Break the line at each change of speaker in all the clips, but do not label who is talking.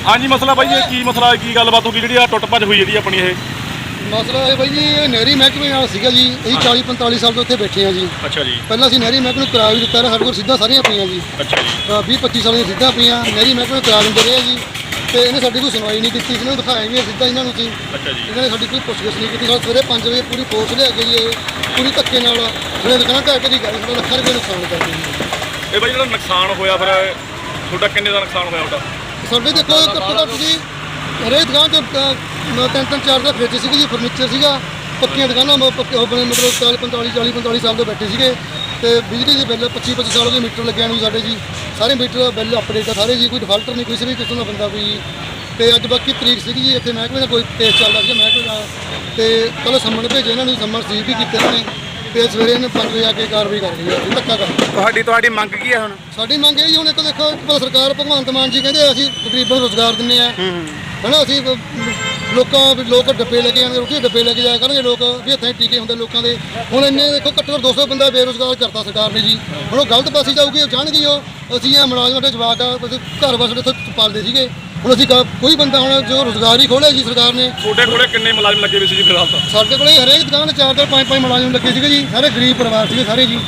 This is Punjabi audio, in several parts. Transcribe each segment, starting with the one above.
हाँ जी मसला भाई ये की मसला की गलबात होगी जी टुट भज हुई जी अपनी ये
ਮਸਲਾ ਇਹ ਬਾਈ ਜੀ ਇਹ ਨਹਿਰੀ ਮਹਿਕਮੇ ਨਾਲ ਸੀਗਾ ਜੀ। ਅਸੀਂ 40-45 ਸਾਲ ਤੋਂ ਇੱਥੇ ਬੈਠੇ ਹਾਂ ਜੀ।
अच्छा जी
ਪਹਿਲਾਂ ਅਸੀਂ ਨਹਿਰੀ ਮਹਿਕਮੇ ਨੂੰ ਕਿਰਾਇਆ ਵੀ ਦਿੱਤਾ ਰਿਹਾ, ਸਾਡੇ ਕੋਲ ਸਿੱਧਾ ਸਾਰੀਆਂ ਪਈਆਂ ਜੀ।
अच्छा जी
20-25 ਸਾਲ ਦੀਆਂ ਸਿੱਧਾ ਪਈਆਂ ਨਹਿਰੀ ਮਹਿਕਮੇ ਨੂੰ ਕਿਰਾਇਆ ਦਿੰਦੇ ਰਹੇ ਜੀ। ਤੇ ਇਹਨੇ ਸਾਡੀ ਕੋਈ ਸੁਣਵਾਈ ਨਹੀਂ ਕੀਤੀ। ਇਹਨਾਂ ਨੂੰ ਦਿਖਾਇਆ ਵੀ ਸਿੱਧਾ ਇਹਨਾਂ ਨੂੰ ਸੀ।
अच्छा जी
ਇਹਨਾਂ ਨੇ ਸਾਡੀ ਕੋਈ ਪੁੱਛਗਿੱਛ ਨਹੀਂ ਕੀਤੀ। ਸਾਡੇ ਸਵੇਰੇ 5 ਵਜੇ ਪੂਰੀ ਫੋਰਸ ਲਿਆ ਕੇ ਜੀ ਇਹ ਪੂਰੀ ਧੱਕੇ ਨਾਲ ਜਿਹੜੇ ਦੁਕਾਨਾਂ ਢਾਹ ਕੇ ਦੀ ਗਏ ਸਾਡਾ ਲੱਖਾਂ ਰੁਪਏ ਨੁਕਸਾਨ ਕਰਦੇ ਜੀ।
ਇਹ ਭਾਈ ਜਿਹੜਾ ਨੁਕਸਾਨ ਹੋਇਆ ਫਿਰ ਤੁਹਾਡਾ ਕਿੰਨੇ ਦਾ ਨੁਕਸਾਨ ਹੋਇਆ ਤੁਹਾਡਾ?
ਸਾਡੇ ਦੇਖੋ ਘੱਟੋ ਘੱਟ ਜੀ ਹਰੇਕ ਦੁਕਾਨ 'ਚ ਤਿੰਨ ਚਾਰ ਦਾ ਫਰਿੱਜ ਸੀਗੀ ਜੀ, ਫਰਨੀਚਰ ਸੀਗਾ, ਪੱਕੀਆਂ ਦੁਕਾਨਾਂ ਆਪਣੇ ਮਤਲਬ 40-45 ਸਾਲ ਤੋਂ ਬੈਠੇ ਸੀਗੇ। ਤੇ ਬਿਜਲੀ ਦੇ ਬਿੱਲ 25 ਸਾਲ ਹੋ ਗਏ ਮੀਟਰ ਲੱਗਿਆ ਨੂੰ ਸਾਡੇ ਜੀ। ਸਾਰੇ ਮੀਟਰ ਬਿੱਲ ਅਪਡੇਟ ਆ ਸਾਰੇ ਜੀ, ਕੋਈ ਡਿਫਾਲਟਰ ਨਹੀਂ, ਕਿਸੇ ਵੀ ਕਿਸਮ ਦਾ ਬੰਦਾ ਕੋਈ। ਤੇ ਅੱਜ ਬਾਕੀ ਤਰੀਕ ਸੀਗੀ ਜੀ, ਇੱਥੇ ਮਹਿਕਮੇ ਦਾ ਕੋਈ ਕੇਸ ਚੱਲਦਾ ਸੀ ਮਹਿਕਮੇ ਦਾ। ਤੇ ਕੱਲ੍ਹ ਸੰਮਣ ਭੇਜੇ ਇਹਨਾਂ ਨੂੰ, ਸੰਮਣ ਸੀਲ ਵੀ ਕੀਤੇ ਇਹਨਾਂ ਨੇ। ਤੇ ਸਵੇਰੇ ਇਹਨੇ 5 ਵਜੇ ਆ ਕੇ ਕਾਰਵਾਈ ਕਰ ਰਹੀ ਹੈ, ਧੱਕਾ ਕਰ।
ਤੁਹਾਡੀ ਮੰਗ ਕੀ ਹੈ ਹੁਣ?
ਸਾਡੀ ਮੰਗ ਇਹ ਜੀ ਹੁਣ ਇੱਕ ਦੇਖੋ ਸਰਕਾਰ ਭਗਵੰਤ ਮਾਨ ਜੀ ਕਹਿੰਦੇ ਅਸੀਂ ਗਰੀਬਾਂ ਨੂੰ ਰੁਜ਼ਗਾਰ ਦਿੰਦੇ ਆ ਹਨਾ। ਅਸੀਂ ਲੋਕ ਡੱਬੇ ਲੈ ਕੇ ਜਾਣਗੇ, ਰੋਟੀ ਦੇ ਡੱਬੇ ਲੈ ਕੇ ਜਾਇਆ ਕਰਨਗੇ ਲੋਕ ਵੀ ਇੱਥੇ ਟੀਕੇ ਹੁੰਦੇ ਲੋਕਾਂ ਦੇ। ਹੁਣ ਇੰਨੇ ਦੇਖੋ ਘੱਟੋ ਘੱਟ 200 ਬੰਦਾ ਬੇਰੁਜ਼ਗਾਰ ਕਰਤਾ ਸਰਕਾਰ ਨੇ ਜੀ। ਹੁਣ ਉਹ ਗਲਤ ਪਾਸੇ ਜਾਊਗੀ, ਉਹ ਜਾਣਗੇ ਉਹ ਅਸੀਂ ਇਹ ਮੁਲਾਜ਼ਮਾਂ ਦੇ ਜਵਾਕ ਆ ਘਰ ਬਸ ਇੱਥੇ ਪਾਲਦੇ ਸੀਗੇ। ਹੁਣ ਅਸੀਂ ਕੋਈ ਬੰਦਾ ਹੁਣ ਜੋ ਰੁਜ਼ਗਾਰ ਹੀ ਖੋਲ੍ਹਿਆ ਜੀ ਸਰਕਾਰ ਨੇ।
ਤੁਹਾਡੇ ਕੋਲੇ ਕਿੰਨੇ ਮੁਲਾਜ਼ਮ ਲੱਗੇ ਹੋਏ ਸੀ ਜੀ ਫਿਲਹਾਲ ਤਾਂ?
ਸਾਡੇ ਕੋਲੇ ਹਰੇਕ ਦੁਕਾਨ 'ਤੇ 4-4 5-5 ਮੁਲਾਜ਼ਮ ਲੱਗੇ ਸੀਗੇ ਜੀ। ਸਾਰੇ ਗਰੀਬ ਪਰਿਵਾਰ ਸੀਗੇ ਸਾਰੇ ਜੀ।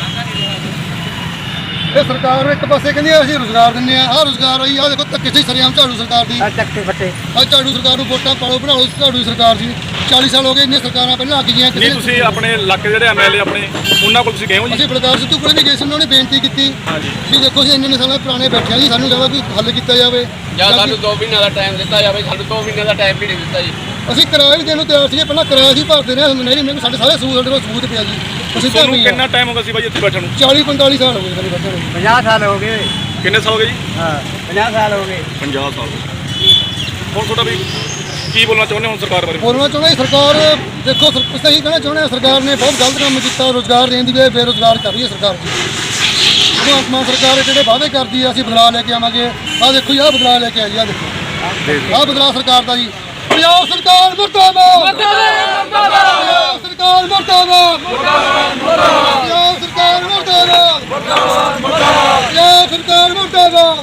ਇਹ ਸਰਕਾਰ ਨੂੰ ਇੱਕ ਪਾਸੇ ਕਹਿੰਦੀ ਆ ਅਸੀਂ ਰੁਜ਼ਗਾਰ ਦਿੰਦੇ ਆ, ਆਹ ਰੁਜ਼ਗਾਰ ਆਈ ਆਹ ਦੇਖੋ ਧੱਕੇ ਸੀ ਸਰਿਆਮ ਝਾੜੂ ਸਰਕਾਰ ਦੀ। ਆਹ ਝਾੜੂ ਸਰਕਾਰ ਨੂੰ ਵੋਟਾਂ ਪਾਲੋ ਬਣਾਓ, ਝਾੜੂ ਸਰਕਾਰ ਸੀ। 40 ਸਾਲ ਹੋ ਗਏ ਇੰਨੀਆਂ ਸਰਕਾਰਾਂ ਪਹਿਲਾਂ ਆ ਗਈਆਂ।
ਨਹੀਂ ਤੁਸੀਂ ਆਪਣੇ ਇਲਾਕੇ ਜਿਹੜੇ ਐਮਐਲਏ ਆਪਣੇ ਉਹਨਾਂ ਕੋਲ ਤੁਸੀਂ ਗਏ ਹੋ ਜੀ?
ਅਸੀਂ ਬਲਕਾਰ ਸਿੱਧੂ ਕੋਲ ਵੀ ਗਏ ਸੀ, ਉਹਨਾਂ ਨੇ ਬੇਨਤੀ ਕੀਤੀ
ਹਾਂਜੀ
ਵੀ ਦੇਖੋ ਅਸੀਂ ਇੰਨੇ ਸਾਲਾਂ ਪੁਰਾਣੇ ਬੈਠੇ ਆ ਜੀ, ਸਾਨੂੰ ਜ਼ਿਆਦਾ ਕੋਈ ਹੱਲ ਕੀਤਾ ਜਾਵੇ
ਜਾਂ ਸਾਨੂੰ 2 ਮਹੀਨਿਆਂ ਦਾ ਟਾਈਮ ਦਿੱਤਾ ਜਾਵੇ। ਸਾਨੂੰ 2 ਮਹੀਨਿਆਂ ਦਾ ਟਾਈਮ ਵੀ ਨਹੀਂ ਦਿੱਤਾ ਜੀ।
ਅਸੀਂ ਕਿਰਾਇਆ ਵੀ ਦੇਣ ਨੂੰ ਤਿਆਰ ਸੀਗੇ, ਪਹਿਲਾਂ ਕਿਰਾਇਆ ਸੀ ਭਰਦੇ ਰਹੇ ਨਹੀਂ ਮੈਨੂੰ ਸਾਡੇ ਸਾਰੇ ਸਾਡੇ ਕੋਲ ਸਬੂਤ ਪਿਆ ਜੀ। ਅਸੀਂ
ਤੁਹਾਨੂੰ ਕਿੰਨਾ ਟਾਈਮ ਹੋ ਗਿਆ ਸੀ ਭਾਈ ਇੱਥੇ ਬੈਠਣ ਨੂੰ?
40-45 ਸਾਲ ਹੋ ਗਏ ਸਾਡੇ ਬੈਠੇ ਨੂੰ।
50 ਸਾਲ ਹੋ ਗਏ।
ਕਿੰਨੇ ਸਾਲ ਹੋ ਗਏ ਜੀ?
ਹਾਂ 50 ਸਾਲ ਹੋ ਗਏ।
50 ਸਾਲ ਹੁਣ ਤੁਹਾਡਾ ਵੀ ਕੀ ਬੋਲਣਾ ਚਾਹੁੰਦੇ ਹੋ ਹੁਣ ਸਰਕਾਰ ਬਾਰੇ?
ਬੋਲਣਾ ਚਾਹੁੰਦਾ ਸਰਕਾਰ ਦੇਖੋ ਸਹੀ ਕਹਿਣਾ ਚਾਹੁੰਦੇ ਹਾਂ ਸਰਕਾਰ ਨੇ ਬਹੁਤ ਗਲਤ ਕੰਮ ਕੀਤਾ। ਰੁਜ਼ਗਾਰ ਦੇਣ ਦੀ ਬਜਾਏ ਬੇਰੁਜ਼ਗਾਰ ਕਰ ਰਹੀ ਹੈ ਸਰਕਾਰ ਜੀ। ਭਗਵੰਤ ਮਾਨ ਸਰਕਾਰ ਜਿਹੜੇ ਵਾਅਦੇ ਕਰਦੀ ਹੈ ਅਸੀਂ ਬਦਲਾਅ ਲੈ ਕੇ ਆਵਾਂਗੇ, ਆਹ ਦੇਖੋ ਜੀ ਆਹ ਬਦਲਾਅ ਲੈ ਕੇ ਆਈ, ਆਹ ਦੇਖੋ ਆਹ ਬਦਲਾਅ ਸਰਕਾਰ ਦਾ ਜੀ। ਪੰਜਾਬ ਸਰਕਾਰ ਮੁਰਦਾਬਾਦ, ਪੰਜਾਬ ਸਰਕਾਰ ਮੁਰਦਾਬਾਦ, ਪੰਜਾਬ ਸਰਕਾਰ ਮੁਰਦਾਬਾਦ, ਪੰਜਾਬ ਸਰਕਾਰ ਮੁਰਦਾਬਾਦ,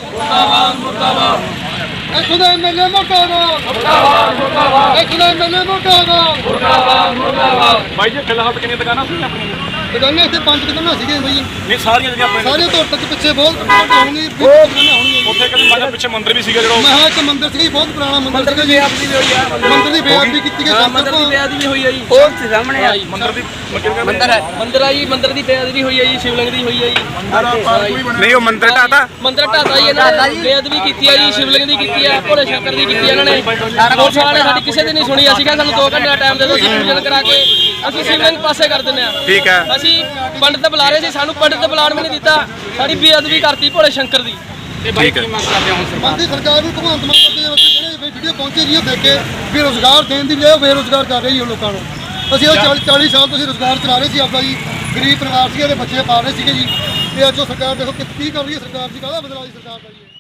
ਇੱਥੋਂ ਦਾ ਐਮਐਲਏ ਮੁਰਦਾਬਾਦ, ਇੱਥੋਂ ਦਾ ਐਮਐਲਏ ਮੁਰਦਾਬਾਦ।
ਭਾਈ ਜੀ ਫਿਲਹਾਲ ਤਾਂ ਕਿੰਨੀਆਂ ਦੁਕਾਨਾਂ ਸੀ ਆਪਣੀਆਂ?
ਦੁਕਾਨਾਂ ਇੱਥੇ 5 ਦੁਕਾਨਾਂ ਸੀਗੀਆਂ ਬਾਈ।
ਨਹੀਂ ਸਾਰੀਆਂ ਜਿਹੜੀਆਂ ਆਪਣੇ
ਸਾਰੇ ਤੋਂ ਤੱਕ ਪਿੱਛੇ ਬਹੁਤ ਹੋਣਗੇ, ਹੋਣਗੇ।
ਉੱਥੇ ਕਹਿੰਦੇ ਮਾਝਾ ਪਿੱਛੇ ਮੰਦਿਰ ਵੀ ਸੀਗਾ ਜਿਹੜਾ
ਮੈਂ ਇੱਕ ਮੰਦਿਰ ਸੀ ਬਹੁਤ ਪੁਰਾਣਾ ਮੰਦਿਰ ਸੀ।
ਬੇਅਦਬੀ ਵੀ ਹੋਈ ਆ।
ਮੰਦਿਰ ਦੀ ਬੇਅਦਬੀ ਕੀਤੀ ਗਈ।
ਮੰਦਿਰ ਦੀ ਬੇਅਦਬੀ ਵੀ ਹੋਈ ਆ ਜੀ। ਉਹ ਸਾਹਮਣੇ ਆ ਜੀ
ਮੰਦਿਰ ਦੀ
ਮੰਦਿਰ ਹੈ। ਮੰਦਿਰ ਆ ਜੀ, ਮੰਦਿਰ ਦੀ ਬੇਅਦਬੀ ਹੋਈ ਆ ਜੀ, ਸ਼ਿਵਲਿੰਗ ਦੀ ਹੋਈ ਆ ਜੀ।
ਨਹੀਂ ਉਹ ਮੰਦਿਰ ਢਾਤਾ।
ਮੰਦਿਰ ਢਾਤਾ ਜੀ ਇਹਨਾਂ ਨੇ, ਬੇਅਦਬੀ ਕੀਤੀ ਆ ਜੀ, ਸ਼ਿਵਲਿੰਗ ਦੀ ਕੀਤੀ ਆ, ਭੋਲੇ ਸ਼ੰਕਰ ਦੀ ਕੀਤੀ ਆ ਇਹਨਾਂ ਨੇ। ਪੁਲਿਸ ਵਾਲਿਆਂ ਨੇ ਸਾਡੀ ਕਿਸੇ ਦੀ ਨਹੀਂ ਸੁਣੀ। ਅਸੀਂ ਕਹਿੰਦੇ ਸਾਨੂੰ 2 ਘੰਟੇ ਦਾ ਟਾਈਮ ਦੇ ਦਿਓ, ਅਸੀਂ ਪੂਜਨ ਕਰਾ ਕੇ ਅਸੀਂ ਸ਼ਿਵਲਿੰਗ ਪਾਸੇ ਕਰ ਦਿੰਦੇ ਆ।
ਠੀਕ ਹੈ।
ਅਸੀਂ ਪੰਡਿਤ ਬੁਲਾ ਰਹੇ ਸੀ, ਸਾਨੂੰ ਪੰਡਿਤ ਬੁਲਾਉਣ ਵੀ ਨਹੀਂ ਦਿੱਤਾ। ਸਾਡੀ ਬੇਅਦਬੀ ਕਰਤੀ ਭੋਲੇ ਸ਼ੰਕਰ ਦੀ।
ਠੀਕ ਹੈ।
ਮੰਦੀ ਸਰਕਾਰ ਨੂੰ ਭਗਵੰਤ ਮਾਨ ਦੇ ਵਿੱਚ ਜਿਹੜੇ ਵੀਡੀਓ ਪਹੁੰਚੇ ਜੀ ਉਹ ਦੇਖ ਕੇ ਵੀ ਰੁਜ਼ਗਾਰ ਦੇਣ ਦੀ ਬਜਾਏ ਬੇਰੁਜ਼ਗਾਰ ਕਰ ਰਹੀ ਹੈ ਲੋਕਾਂ ਨੂੰ। ਅਸੀਂ ਉਹ 40 ਸਾਲ ਤੋਂ ਅਸੀਂ ਰੁਜ਼ਗਾਰ ਚਲਾ ਰਹੇ ਸੀ ਆਪਦਾ ਜੀ। ਗਰੀਬ ਪਰਿਵਾਰ ਸੀਗੇ ਤੇ ਬੱਚੇ ਪਾਲ ਰਹੇ ਸੀਗੇ ਜੀ। ਤੇ ਅੱਜ ਉਹ ਸਰਕਾਰ ਦੇਖੋ ਕੀ ਕਰ ਰਹੀ ਹੈ ਸਰਕਾਰ ਜੀ, ਕਾਹਦਾ ਬਦਲਾਅ ਜੀ ਸਰਕਾਰ ਦਾ ਜੀ।